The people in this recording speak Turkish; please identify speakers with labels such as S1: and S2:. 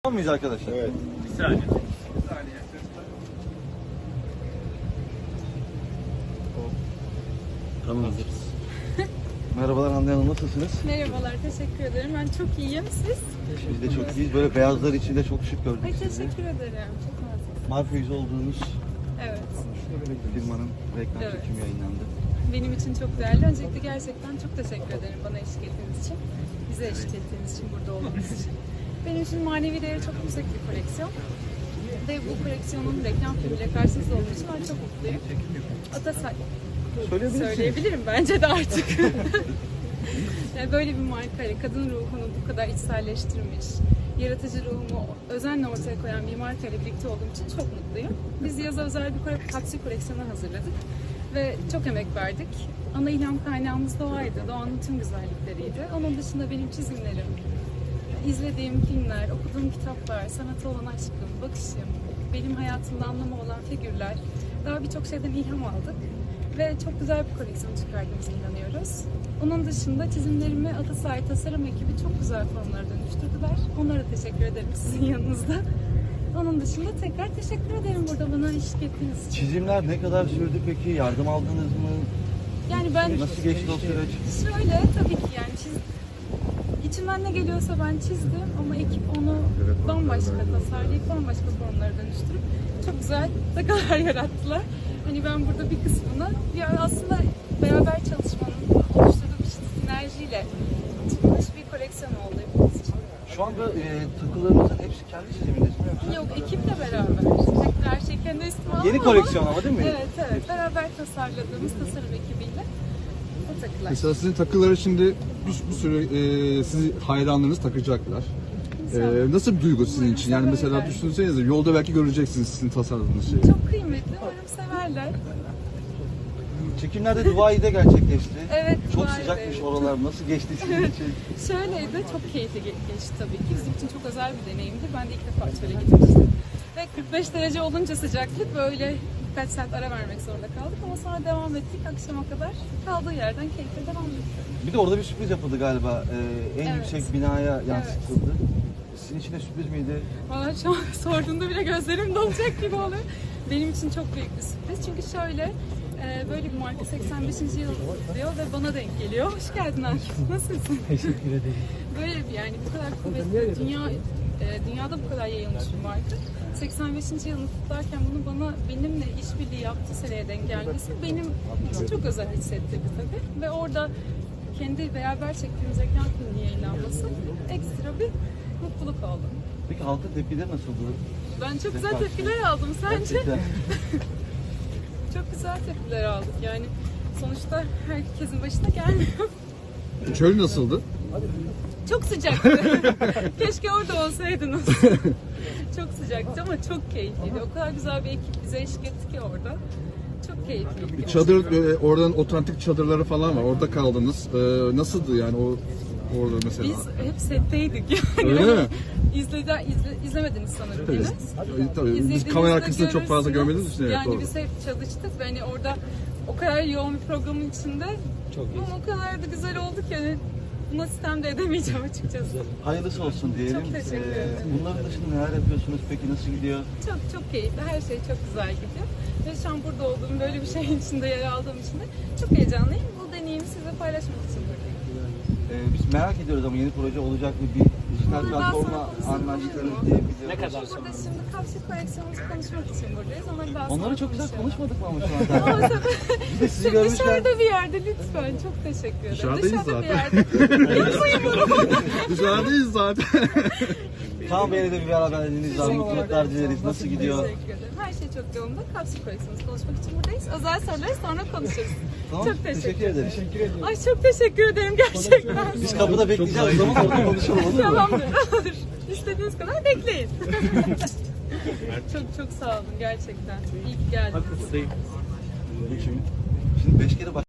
S1: Tamam mıyız arkadaşlar?
S2: Evet.
S3: Bir saniye.
S1: Tamam. Merhabalar Hande Hanım, nasılsınız?
S4: Merhabalar, teşekkür ederim. Ben çok iyiyim. Siz?
S1: Biz de çok iyiyiz. Böyle beyazlar içinde çok şık gördük
S4: Ay
S1: sizi.
S4: teşekkür ederim. Çok nazik.
S1: Marka yüzü olduğunuz
S4: Evet.
S1: firmanın reklam
S4: Evet.
S1: çekimi yayınlandı.
S4: Benim için çok değerli. Öncelikle gerçekten çok teşekkür ederim bana eşlik ettiğiniz için. Bize eşlik ettiğiniz için, burada olmanız için. Benim için manevi değeri çok yüksek bir koleksiyon. Ve bu koleksiyonun reklam filmiyle karşınızda olduğu için ben çok mutluyum. Atasay söyleyebilirim bence de artık. Yani böyle bir markayla kadın ruhunu bu kadar içselleştirmiş, yaratıcı ruhumu özenle ortaya koyan bir markayla birlikte olduğum için çok mutluyum. Biz yaza özel bir kapsül koleksiyonu hazırladık ve çok emek verdik. Ana ilham kaynağımız doğaydı, doğanın tüm güzellikleriydi. Onun dışında benim çizimlerim, izlediğim filmler, okuduğum kitaplar, sanata olan aşkım, bakışım, benim hayatımda anlamı olan figürler, daha birçok şeyden ilham aldık. Ve çok güzel bir koleksiyon çıkardığımıza inanıyoruz. Onun dışında çizimlerimi Atasay Tasarım ekibi çok güzel formlara dönüştürdüler. Onlara teşekkür ederim sizin yanınızda. Onun dışında tekrar teşekkür ederim burada bana eşlik ettiğiniz için.
S1: Çizimler ne kadar sürdü peki? Yardım aldınız mı?
S4: Yani ben
S1: Nasıl geçti o süreç?
S4: şöyle tabii ki yani içimden ne geliyorsa ben çizdim ama ekip onu bambaşka tasarlayıp bambaşka formlara dönüştürüp çok güzel dagalar yarattılar. Hani ben burada bir kısmını yani aslında beraber çalışmanın oluşturduğu bir sinerjiyle çıkmış bir koleksiyon oldu hepimiz için.
S1: Şu anda takılarınızın hepsi kendi çizimindeyiz mi yoksa?
S4: Yok, ekiple beraber. Her şey kendi üstüme aldım
S1: Yeni
S4: ama-
S1: koleksiyon ama değil mi?
S4: Evet. Beraber tasarladığımız tasarım ekibiyle o takılar.
S2: Mesela sizin takıları şimdi bir sürü sizi hayranlarınız takacaklar.
S4: İnşallah.
S2: Nasıl bir duygu sizin için? Yani mesela
S4: Severler.
S2: düşünsenize yolda belki göreceksiniz sizin tasarladığınız şeyi.
S4: Çok kıymetli, umarım severler.
S1: Çekimler de Dubai'de gerçekleşti.
S4: Evet,
S1: Çok
S4: Dubai'de.
S1: sıcakmış oralar. Nasıl geçti sizin için?
S4: Şöyleydi, çok keyifli geçti tabii ki. Bizim için çok özel bir deneyimdi. Ben de ilk defa çöle gitmiştim. Ve 45 derece olunca sıcaklık böyle birkaç saat ara vermek zorunda kaldık. Ama sonra devam ettik akşama kadar. Kaldığı yerden keyifle devam ettik.
S1: Bir de orada bir sürpriz yapıldı galiba. En
S4: Evet.
S1: yüksek binaya yansıtıldı. Sizin için de sürpriz miydi?
S4: Valla şu an sorduğunda bile gözlerim dolacak gibi oluyor. Benim için çok büyük bir sürpriz. Çünkü şöyle, böyle bir marka 85. yıl diyor ve bana denk geliyor. Hoş geldin Akif. Nasılsın?
S3: Teşekkür ederim.
S4: Böyle bir yani bu kadar kuvvetli, dünyada bu kadar yayılmış bir marka. 85. yılını kutlarken bunu benimle işbirliği yaptığı seneye denk gelmesi benim için çok özel hissettirdi tabii. Ve orada kendi beraber çektiğimiz ekran filmi yayınlanması ekstra bir mutluluk oldu.
S1: Peki halkın tepkileri nasıldı?
S4: Ben çok güzel tepkiler aldım. Sence?
S1: Gerçekten.
S4: Çok güzel tepkiler aldık. Yani sonuçta herkesin başına gelmiyor.
S2: Çöl nasıldı?
S4: Çok sıcaktı. Keşke orada olsaydınız. Çok sıcaktı ama çok keyifliydi. O kadar güzel bir ekip bize eşlik etti ki orada. Çok keyifliydi.
S2: Çadır, oradan otantik çadırları falan var. Orada kaldınız. Nasıldı yani orada mesela?
S4: Biz hep setteydik yani.
S2: Öyle mi?
S4: İzlemediniz sanırım
S2: Tabii.
S4: yine.
S2: Tabii. Biz
S4: İzlediğinizde
S2: kamera arkasında çok fazla
S4: görürsünüz.
S2: görmediğimiz için. Evet,
S4: Yani
S2: doğru.
S4: biz hep çalıştık ve hani orada o kadar yoğun bir programın içinde ama o kadar da güzel oldu ki hani buna sistem de edemeyeceğim açıkçası.
S1: Hayırlısı olsun diyelim.
S4: Çok teşekkür ederim.
S1: Bunların dışında neler yapıyorsunuz peki? Nasıl gidiyor?
S4: Çok keyifli. Her şey çok güzel gidiyor. Ve şu an burada olduğum, böyle bir şeyin içinde yer aldığım için de çok heyecanlıyım. Bu deneyimi sizinle paylaşmak için buradayım.
S1: Biz merak ediyoruz ama yeni proje olacak mı? Bir dijital
S4: Bundan
S1: platformla
S4: sonra
S1: anlaştınız
S4: konuşuruz.
S1: diye biliyorum.
S3: Ne kadar
S4: Burada
S3: sonra?
S4: şimdi kapsül koleksiyonumuzu konuşmak için buradayız. Onları daha sonra
S1: Onları çok güzel
S4: konuşalım.
S1: konuşmadık mı ama şu anda?
S4: Ama tabii
S1: Biz de sizi görmüşken
S4: dışarıda bir yerde lütfen. Çok teşekkür ederim.
S2: Dışarıdayız
S4: Dışarıda bir
S2: zaten.
S4: yerde. Yapmayın bunu.
S2: Dışarıdayız zaten.
S1: Kaan Bey'le de bir beraberliğiniz var. Mutluluklar dileriz. Nasıl gidiyor?
S4: Teşekkür ederim. Her şey çok yolunda. Kapsül koleksiyonumuzu konuşmak için buradayız. Özel soruları sonra konuşuruz.
S1: Tamam,
S4: Çok teşekkür
S1: ederiz.
S4: Ay çok teşekkür ederim gerçekten.
S1: Biz kapıda bekleyeceğiz. O zaman orada konuşalım olur mu?
S4: Tamamdır. Olur. İstediğiniz kadar bekleyin. çok sağ olun gerçekten. İyi ki geldiniz.
S1: Şimdi 5 kere